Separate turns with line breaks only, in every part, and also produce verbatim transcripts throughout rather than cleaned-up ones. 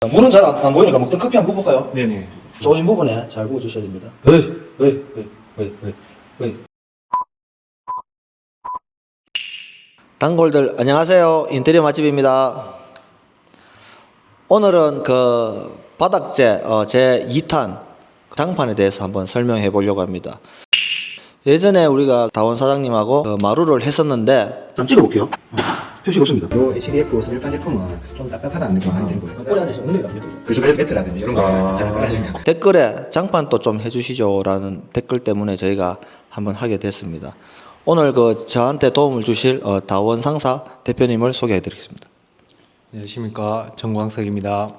물은 잘 안 보이니까 먹던 커피 한번 부어볼까요?
네네.
조인 부분에 잘 부어주셔야 됩니다. 에이, 에이, 에이, 에이, 에이, 에이. 단골들 안녕하세요. 인테리어 맛집입니다. 오늘은 그 바닥재 어, 제 이 탄 장판에 대해서 한번 설명해 보려고 합니다. 예전에 우리가 다원 사장님하고 그 마루를 했었는데 한번 찍어볼게요. 표시가 없습니다.
요 에이치디에프 일반 제품은 좀 딱딱하다는 느낌이 많이 들고요.
꼬리 앉아서 엉덩이가 안 밀리고.
그중 매트라든지 이런 거
아.
약간 깔아주면.
댓글에 장판 또 좀 해주시죠 라는 댓글 때문에 저희가 한번 하게 됐습니다. 오늘 그 저한테 도움을 주실 어, 다원 상사 대표님을 소개해 드리겠습니다.
안녕하십니까, 정광석입니다.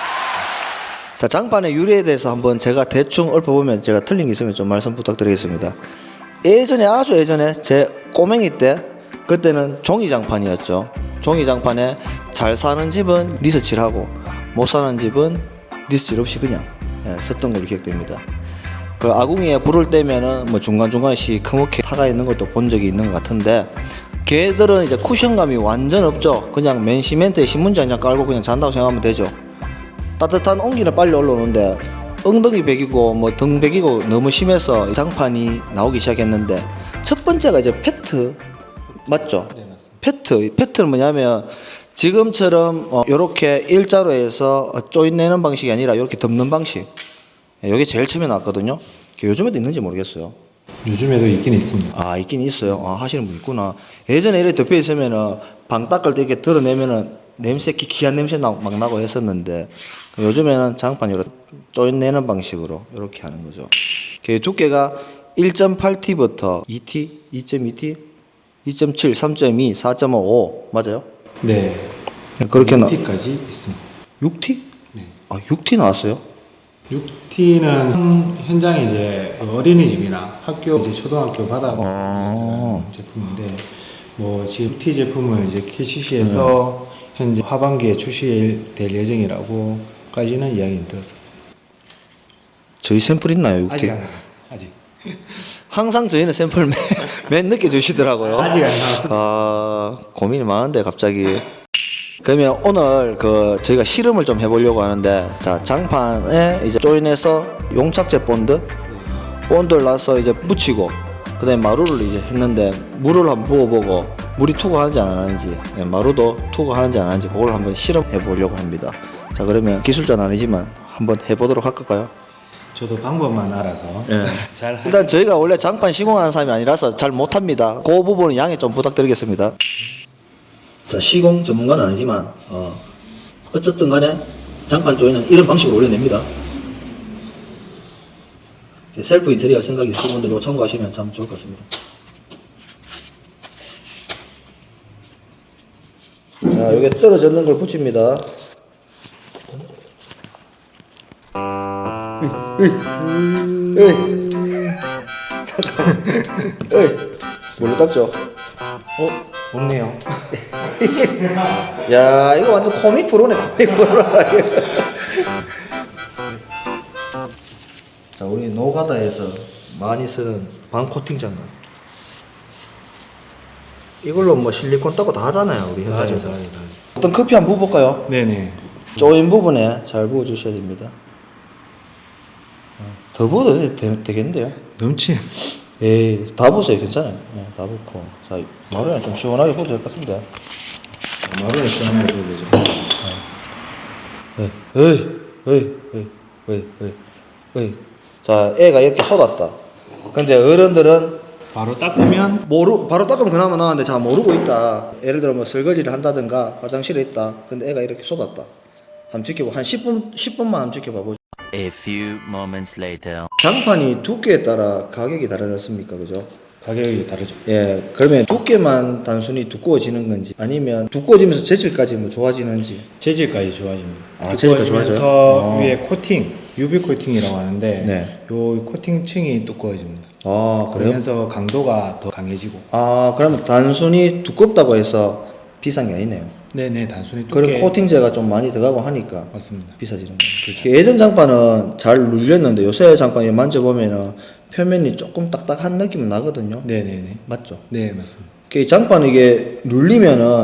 자, 장판의 유래에 대해서 한번 제가 대충 읊어보면 제가 틀린 게 있으면 좀 말씀 부탁드리겠습니다. 예전에 아주 예전에 제 꼬맹이 때 그때는 종이 장판이었죠. 종이 장판에 잘 사는 집은 니스칠하고 못 사는 집은 니스칠 없이 그냥 예, 썼던 걸로 기억됩니다. 그 아궁이에 불을 떼면은 뭐 중간중간 시커멓게 타가 있는 것도 본 적이 있는 것 같은데 걔들은 이제 쿠션감이 완전 없죠. 그냥 맨 시멘트에 신문지 한 장 깔고 그냥 잔다고 생각하면 되죠. 따뜻한 온기는 빨리 올라오는데 엉덩이 베기고 뭐 등 베기고 너무 심해서 장판이 나오기 시작했는데 첫 번째가 이제 페트 맞죠?
네, 맞습니다.
페트 페트는 뭐냐면 지금처럼 어, 이렇게 일자로 해서 조인 내는 방식이 아니라 이렇게 덮는 방식. 이게 제일 처음에 나왔거든요. 요즘에도 있는지 모르겠어요.
요즘에도 있긴 있습니다.
아, 있긴 있어요. 아, 하시는 분 있구나. 예전에 이렇게 덮여 있으면은 방 닦을 때 이렇게 드러내면은 냄새, 기키한 냄새 나, 막 나고 했었는데 요즘에는 장판 이렇게 조인 내는 방식으로 이렇게 하는 거죠. 그 두께가 일 점 팔 티부터 이 티, 이 점 이 티, 이 점 칠, 삼 점 이, 사 점 오 맞아요?
네.
그렇게 나
육 티까지 있습니다.
육 티?
네.
아, 육 티 나왔어요?
육 티는 현장에 이제 어린이집이나 학교 이제 초등학교 바닥
아.
제품인데 뭐 지금 육 티 제품을 이제 케이씨씨에서 현재 하반기에 출시될 예정이라고까지는 이야기 들었었습니다.
저희 샘플 있나요, 육 티?
아직 안 아직
항상 저희는 샘플 맨, 맨 늦게 주시더라고요.
아직 안 나왔습니다.
아, 고민이 많은데 갑자기. 그러면 오늘 그 저희가 실험을 좀 해보려고 하는데, 자, 장판에 이제 조인해서 용착제 본드, 본드를 놔서 이제 붙이고, 그다음에 마루를 이제 했는데 물을 한번 부어보고 물이 투과하는지 안 하는지, 예, 마루도 투과하는지 안 하는지 그걸 한번 실험해 보려고 합니다. 자, 그러면 기술자는 아니지만 한번 해보도록 할까요?
저도 방법만 알아서
예.
잘 할-
일단 저희가 원래 장판 시공하는 사람이 아니라서 잘 못합니다. 그 부분은 양해 좀 부탁드리겠습니다. 자, 시공 전문가는 아니지만 어, 어쨌든 간에 장판 조이는 이런 방식으로 올려냅니다. 셀프 인테리어 생각이 있으신 분들 이거 참고하시면 참 좋을 것 같습니다. 자, 여기 떨어졌는 걸 붙입니다. 에이, 잠깐, 에이, 뭘로 닦죠?
어? 없네요.
야, 이거 완전 코믹 프로네, 코믹 프로. 자, 우리 노가다에서 많이 쓰는 방코팅 장갑. 이걸로 뭐 실리콘 따고 다 하잖아요, 우리 현장에서.
맞아요, 맞아요.
어떤 커피 한번 부어볼까요?
네네.
조인 부분에 잘 부어주셔야 됩니다. 더 부어도 되, 되, 되겠는데요?
넘치.
에이, 다 부으세요. 괜찮아요. 네, 다 붓고. 자, 마루는 좀 시원하게 부어도 될 것 같은데.
마루에 시원하게 보여죠.
에이, 에이, 에이, 에이, 에이, 에이, 에이. 자, 애가 이렇게 쏟았다. 근데 어른들은
바로 닦으면
모르, 바로 닦으면 그나마 나왔는데 자, 모르고 있다. 예를 들어 뭐 설거지를 한다든가 화장실에 있다. 근데 애가 이렇게 쏟았다. 한번 지켜봐. 한 십 분, 십 분만 한번 지켜봐 보죠.
A few moments later.
장판이 두께에 따라 가격이 다르지 않습니까? 그죠?
가격이 다르죠.
예, 그러면 두께만 단순히 두꺼워지는 건지 아니면 두꺼워지면서 재질까지 뭐 좋아지는지.
재질까지 좋아집니다.
아, 재질까지 좋아져요?
두꺼워지면서
어.
위에 코팅, 유비 코팅이라고 하는데
네.
요 코팅층이 두꺼워집니다.
아, 그래요?
그러면서 강도가 더 강해지고.
아, 그러면 단순히 두껍다고 해서 비싼 게 아니네요.
네네, 단순히 두께.
그리고 코팅제가 좀 많이 들어가고 하니까
맞습니다.
비싸지는 거예요. 그렇죠. 예전 장판은 잘 눌렸는데 요새 장판 만져보면은 표면이 조금 딱딱한 느낌은 나거든요.
네네네.
맞죠?
네, 맞습니다.
그 장판 이게 눌리면은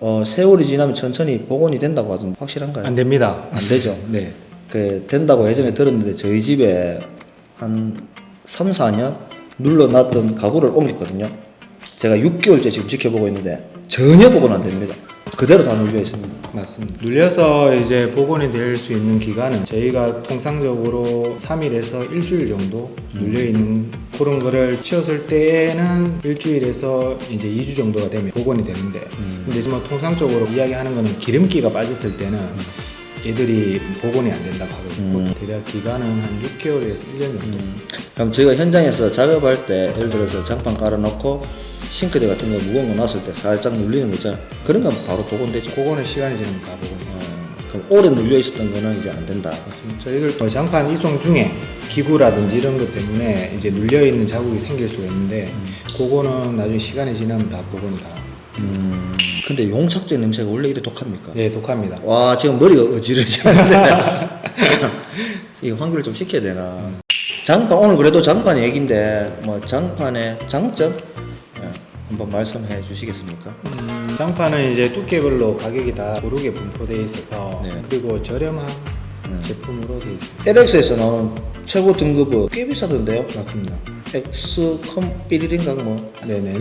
어, 세월이 지나면 천천히 복원이 된다고 하던데 확실한가요?
안 됩니다.
안 되죠.
네.
그 된다고 예전에 들었는데 저희 집에 한 삼, 사 년 눌러놨던 가구를 옮겼거든요. 제가 육 개월째 지금 지켜보고 있는데 전혀 복원 안 됩니다. 그대로 다 눌려 있습니다.
맞습니다. 눌려서 이제 복원이 될 수 있는 기간은 저희가 통상적으로 삼 일에서 일주일 정도 눌려 있는 그런 거를 치웠을 때에는 일주일에서 이제 이 주 정도가 되면 복원이 되는데,
음.
근데 지금 통상적으로 이야기하는 거는 기름기가 빠졌을 때는 애들이 복원이 안 된다고 하거든요.
음.
대략 기간은 한 육 개월에서 일 년 정도.
그럼 저희가 현장에서 작업할 때 예를 들어서 장판 깔아놓고 싱크대 같은 거 무거운 거 놨을 때 살짝 눌리는 거 있잖아요. 그런 건 바로 복원되죠.
그거는 시간이 지나면 다 복원이 돼요.
어, 그럼 오래 눌려 있었던 거는 이제 안 된다.
맞습니다. 저희들 또 장판 이송 중에 기구라든지 이런 것 때문에 이제 눌려 있는 자국이 생길 수가 있는데, 그거는 나중에 시간이 지나면 다 복원이 다.
음, 근데 용착제 냄새가 원래 이래 독합니까?
네, 독합니다.
와, 지금 머리가 어지러지는데 이거 환기를 좀 시켜야 되나? 장판, 오늘 그래도 장판 얘기인데 뭐 장판의 장점 예, 한번 말씀해 주시겠습니까?
음, 장판은 이제 두께별로 가격이 다 고르게 분포되어 있어서
네.
그리고 저렴한
네.
제품으로 되어 있습니다.
엘엑스에서 나오는 최고 등급은 꽤 비싸던데요?
맞습니다.
엑스컴 삐리린가 뭐.
네네.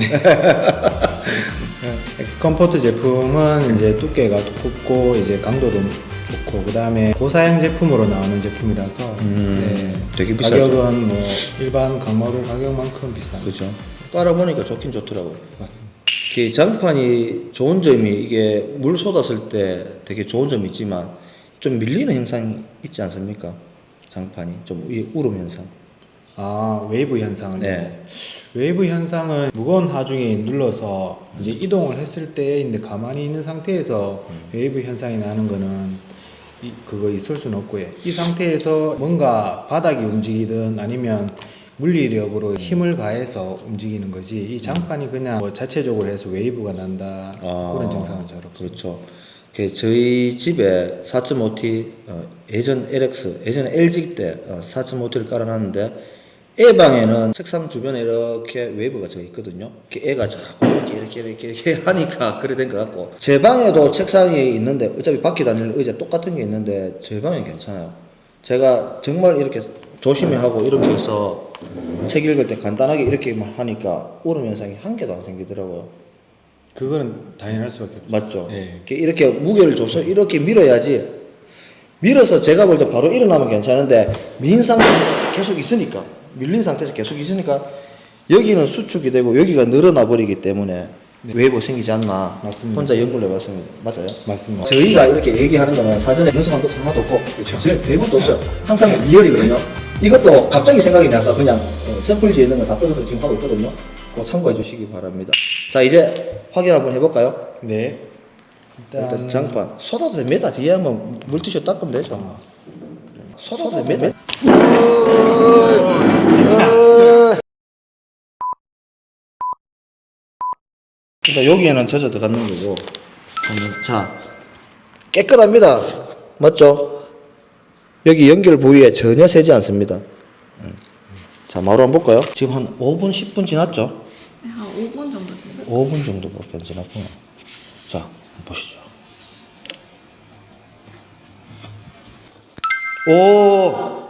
엑스컴포트 제품은 이제 두께가 두껍고 이제 강도도 좋고, 그 다음에 고사양 제품으로 나오는 제품이라서
음,
네,
되게 비싸죠.
가격은 뭐 일반 강마루 가격만큼 비쌉니다.
그죠. 깔아보니까 좋긴 좋더라고요.
맞습니다.
이 장판이 좋은 점이 이게 물 쏟았을 때 되게 좋은 점이 있지만 좀 밀리는 현상이 있지 않습니까? 장판이 좀 이 울음 현상.
아, 웨이브 현상을.
네.
웨이브 현상은 무거운 하중이 눌러서 이제 이동을 했을 때인데 가만히 있는 상태에서 웨이브 현상이 나는 거는 이, 그거 있을 수는 없고요. 이 상태에서 뭔가 바닥이 움직이든 아니면 물리력으로 힘을 가해서 움직이는 거지, 이 장판이 그냥 뭐 자체적으로 해서 웨이브가 난다
아,
그런 증상은 잘 없어요.
그렇죠. 그 저희 집에 사 점 오 티 어, 예전 엘엑스 예전에 엘지 때 어, 사 점 오 티를 깔아놨는데 애 방에는 책상 주변에 이렇게 웨이브가 져 있거든요. 이렇게 애가 자꾸 이렇게 이렇게 이렇게 이렇게 하니까 그래 된 것 같고, 제 방에도 책상이 있는데 어차피 바퀴 다니는 의자 똑같은 게 있는데 제 방엔 괜찮아요. 제가 정말 이렇게 조심히 하고 이렇게 해서 책 읽을 때 간단하게 이렇게만 하니까 울음 현상이 한 개도 안 생기더라고요.
그거는 당연할 수밖에 없죠.
맞죠?
예.
이렇게, 이렇게 무게를 줘서 이렇게 밀어야지, 밀어서 제가 볼 때 바로 일어나면 괜찮은데 밀린 상태에서 계속 있으니까, 밀린 상태에서 계속 있으니까 여기는 수축이 되고 여기가 늘어나 버리기 때문에
네.
웨이브 생기지 않나.
맞습니다.
혼자 연구를 해봤습니다. 맞아요?
맞습니다.
저희가 이렇게 얘기하는 거는 사전에 연습한 것도 하나도 없고
그쵸.
대부분도 없어요. 항상 리얼이거든요. 이것도 갑자기 생각이 나서 그냥 어, 샘플지에 있는 거 다 뜯어서 지금 하고 있거든요. 그거 참고해 주시기 바랍니다. 자, 이제 확인 한번 해볼까요?
네.
자, 일단 장판 쏟아도 됩니다. 뒤에 한번 물티슈 닦으면 되죠. 쏟아도 됩니다. 일단 여기에는 젖어 들어가는 거고, 자, 깨끗합니다. 맞죠? 여기 연결 부위에 전혀 새지 않습니다. 음. 자, 마루 한번 볼까요? 지금 한 오 분, 십 분 지났죠?
네, 한 오 분 정도 됐어요.
오 분 정도밖에 안 지났구나. 자, 한번 보시죠. 오,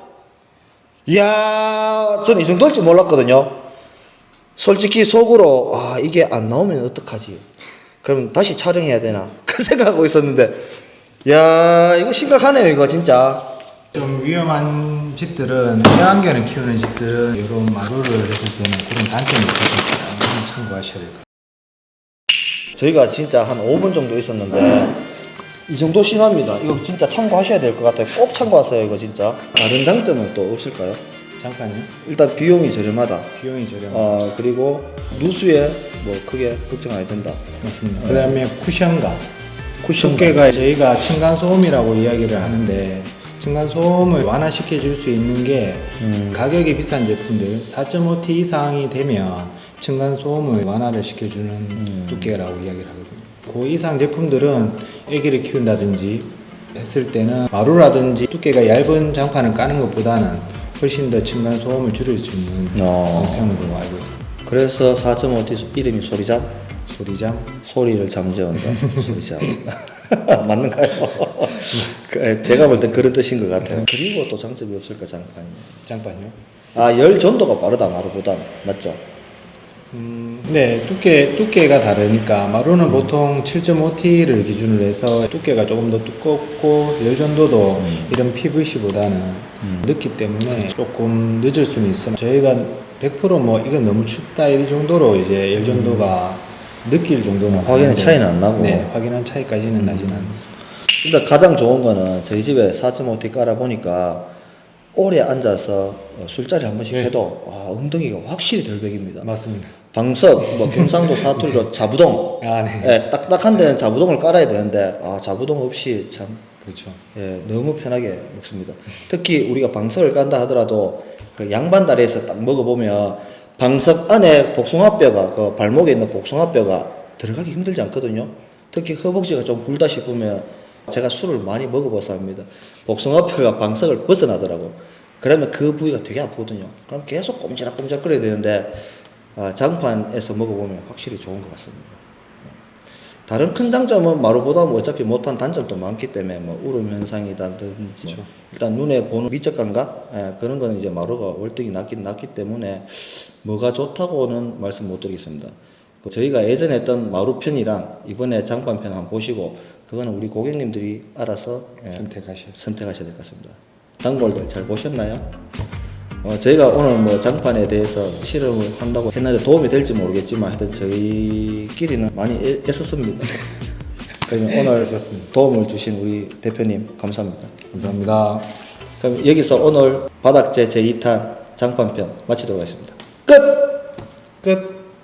이야, 저는 이 정도일 줄 몰랐거든요. 솔직히 속으로, 아, 이게 안 나오면 어떡하지? 그럼 다시 촬영해야 되나? 그 생각하고 있었는데, 야, 이거 심각하네요, 이거 진짜.
좀 위험한 집들은, 애완견을 키우는 집들은 이런 마루를 했을 때는 그런 단점이 있으니까 좀 참고하셔야 될 것 같아요.
저희가 진짜 한 오 분 정도 있었는데 이 정도 심합니다. 이거 진짜 참고하셔야 될 것 같아요. 꼭 참고하세요, 이거 진짜. 다른 장점은 또 없을까요?
잠깐요.
일단 비용이 저렴하다.
비용이 저렴.
어, 그리고 누수에 뭐 크게 걱정 안 해도 된다.
맞습니다. 그 다음에 쿠션감.
쿠션감.
두께가 저희가 층간소음이라고 이야기를 하는데, 층간소음을 완화시켜 줄 수 있는 게
음.
가격이 비싼 제품들 사 점 오 티 이상이 되면 층간소음을 완화를 시켜주는
음.
두께라고 이야기를 하거든요. 그 이상 제품들은 애기를 키운다든지 했을 때는 마루라든지 두께가 얇은 장판을 까는 것보다는 훨씬 더 층간소음을 줄일 수 있는
어.
방편으로 알고 있습니다.
그래서 사 점 오 티 이름이 소리잠?
소리잠.
소리를 잠재운다. 소리잠. 맞는가요? 그, 제가 볼 때 그런 뜻인 것 같아요. 그리고 또 장점이 없을까 장판이.
장판요?
아, 열 전도가 빠르다 마루보다 맞죠?
음, 네, 두께, 두께가 다르니까 마루는 보통 칠 점 오 티를 기준으로 해서 두께가 조금 더 두껍고 열전도도
음.
이런 피브이씨보다는 늦기 때문에 조금 늦을 수는 있어요. 저희가 백 퍼센트 뭐 이건 너무 춥다 이 정도로 이제 열전도가 느낄 정도는
음. 확연히
아닌데,
차이는 안 나고.
네, 확연한 차이까지는 나지는 않습니다.
일단 가장 좋은 거는 저희 집에 사 점 오 티 깔아보니까 오래 앉아서 어, 술자리 한 번씩
네.
해도 아, 엉덩이가 확실히 덜 베깁니다.
맞습니다.
방석, 뭐 경상도 사투리로 자부동.
아, 네.
예, 딱딱한 데는 자부동을 깔아야 되는데 아, 자부동 없이 참
그렇죠.
예, 너무 편하게 먹습니다. 특히 우리가 방석을 깐다 하더라도 그 양반 다리에서 딱 먹어보면 방석 안에 복숭아뼈가 그 발목에 있는 복숭아뼈가 들어가기 힘들지 않거든요. 특히 허벅지가 좀 굵다 싶으면 제가 술을 많이 먹어봐서 합니다. 복숭아뼈가 방석을 벗어나더라고. 그러면 그 부위가 되게 아프거든요. 그럼 계속 꼼지락꼼지락 끓여야 되는데 아, 장판에서 먹어보면 확실히 좋은 것 같습니다. 다른 큰 장점은 마루보다 뭐 어차피 못한 단점도 많기 때문에 뭐 울음 현상이라든지
그렇죠.
일단 눈에 보는 미적 감각 예, 그런 거는 이제 마루가 월등히 낮긴 낮기 때문에 뭐가 좋다고는 말씀 못 드리겠습니다. 그 저희가 예전에 했던 마루 편이랑 이번에 장판 편 한번 보시고 그거는 우리 고객님들이 알아서 예,
선택하셔야
선택하셔야 될 것 같습니다. 단골들 잘 보셨나요? 어, 저희가 오늘 뭐 장판에 대해서 실험을 한다고 했는데 도움이 될지 모르겠지만 하여튼 저희끼리는 많이 애, 애썼습니다. 그러면 오늘 도움을 주신 우리 대표님 감사합니다.
감사합니다.
그럼 여기서 오늘 바닥재 제이 탄 장판편 마치도록 하겠습니다. 끝!
끝.